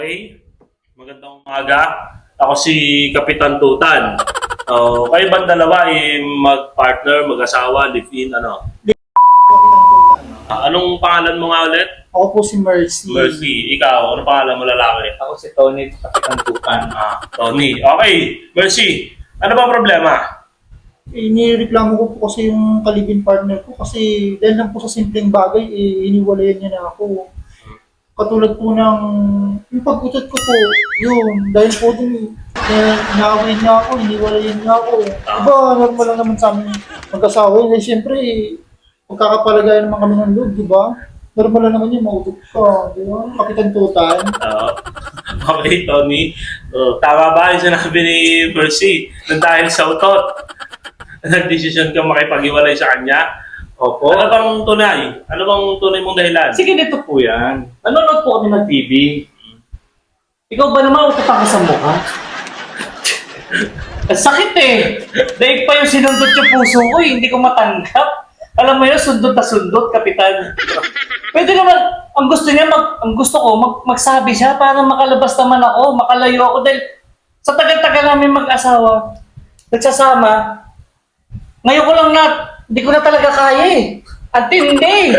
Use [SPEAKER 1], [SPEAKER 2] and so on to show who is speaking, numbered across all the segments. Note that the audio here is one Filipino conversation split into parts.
[SPEAKER 1] Okay, magandang umaga. Ako si Kapitan Tutan. Kayo bang dalawa mag-partner, mag-asawa, live-in, ano? Anong pangalan mo nga ulit?
[SPEAKER 2] Ako po si Mercy.
[SPEAKER 1] Mercy. Ikaw, anong pangalan mo lalaki?
[SPEAKER 3] Ako si Tony, Kapitan Tukan.
[SPEAKER 1] Tony. Okay, Mercy. Ano ba problema?
[SPEAKER 2] Inireklamo ko po kasi yung kalibin partner ko kasi dahil lang po sa simpleng bagay, iniwalayan niya na ako. Katulad po ng yung pag-utot ko po, yun, dahil po dun, inaaway niya ako, iniwalayan niya ako. Diba, normal lang naman sa amin mag-asawa yun. Eh, siyempre, magkakapalagayan naman kami ng loob, diba? Normal lang naman yun, mautot ka, diba? Kapitan Tutan.
[SPEAKER 1] Okay, Tony. Tama ba yung sinabi ni Mercy na dahil sa utot, nag-decision ka makipag-iwalay sa kanya?
[SPEAKER 3] Opo.
[SPEAKER 1] Ano bang tunay? Ano bang tunay mong dahilan?
[SPEAKER 3] Sige, dito po yan. Nanonood po kami ng TV. Ikaw ba naman utatang ka sa mukha? Ang sakit eh. Daig pa yung sinundot yung puso ko eh. Hindi ko matanggap. Alam mo yun, sundot na sundot, Kapitan. Pwede naman, ang gusto ko, magsabi siya para makalabas naman ako, makalayo ako. Dahil sa tagal-tagal namin mag-asawa, nagsasama, ngayon ko lang hindi ko na talaga kaya eh. Ang tindi.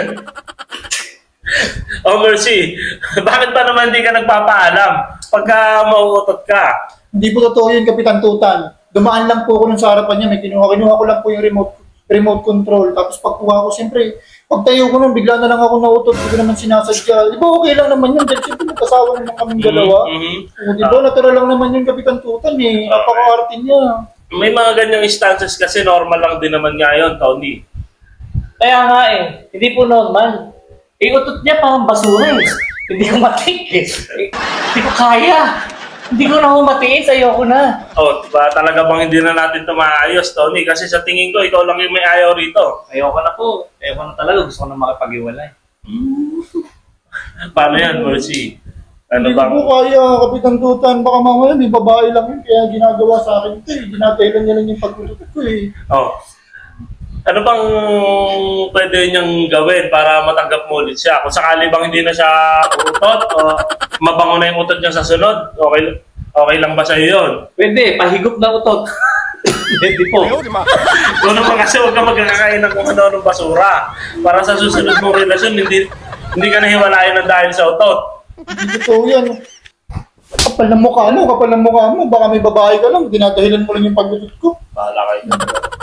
[SPEAKER 1] Mercy, bakit ba naman hindi ka nagpapaalam pagka mauutot ka?
[SPEAKER 2] Hindi po totoo yun, Kapitan Tutan. Dumaan lang po ako nun sa harapan niya, may kinuha ko lang po yung remote control. Tapos pagkuha ko, siyempre, pagtayo ko nun, bigla na lang ako nautot, hindi ko naman sinasadya. Di ba okay lang naman yun, dahil siyempre magkasawa naman kaming dalawa. O, di ba, natural lang naman yun, Kapitan Tutan eh. Napaka-arte niya.
[SPEAKER 1] May mga ganyang instances kasi normal lang din naman ngayon, Tony.
[SPEAKER 3] Kaya nga eh, hindi po normal. Utot niya parang basura eh. Hindi ko matikis. Hindi ko kaya. Hindi ko na matiis, ayoko na.
[SPEAKER 1] Diba talaga bang hindi na natin ito maayos, Tony? Kasi sa tingin ko, ikaw lang yung may ayaw rito.
[SPEAKER 3] Ayoko na po. Ayoko na talaga. Gusto ko na makipag-iwalay.
[SPEAKER 1] Paano yan, Mercy? Ano
[SPEAKER 2] Hindi ko
[SPEAKER 1] bang...
[SPEAKER 2] po kaya, Kapitan Tutan. Baka mamaya may babae lang yun, kaya ginagawa sa akin ito eh. Ginatailan niya lang yung pag-utot ko eh.
[SPEAKER 1] Ano bang pwede niyang gawin para matanggap mo ulit siya? Kung sakali bang hindi na siya utot o mabango na yung utot niya sa sunod, okay lang ba sa'yo yun?
[SPEAKER 3] Pwede, pahigop na utot. Pwede po.
[SPEAKER 1] Kung naman kasi huwag ka magkakain ng kung ano-anong basura. Para sa susunod mong relasyon, hindi ka nahiwalayan ng dahil sa utot.
[SPEAKER 2] Hindi totoo yan. Kapal ng mukha mo. Baka may babae ka lang, dinadahilan mo lang yung pag-utot ko.
[SPEAKER 1] Bahala kayo.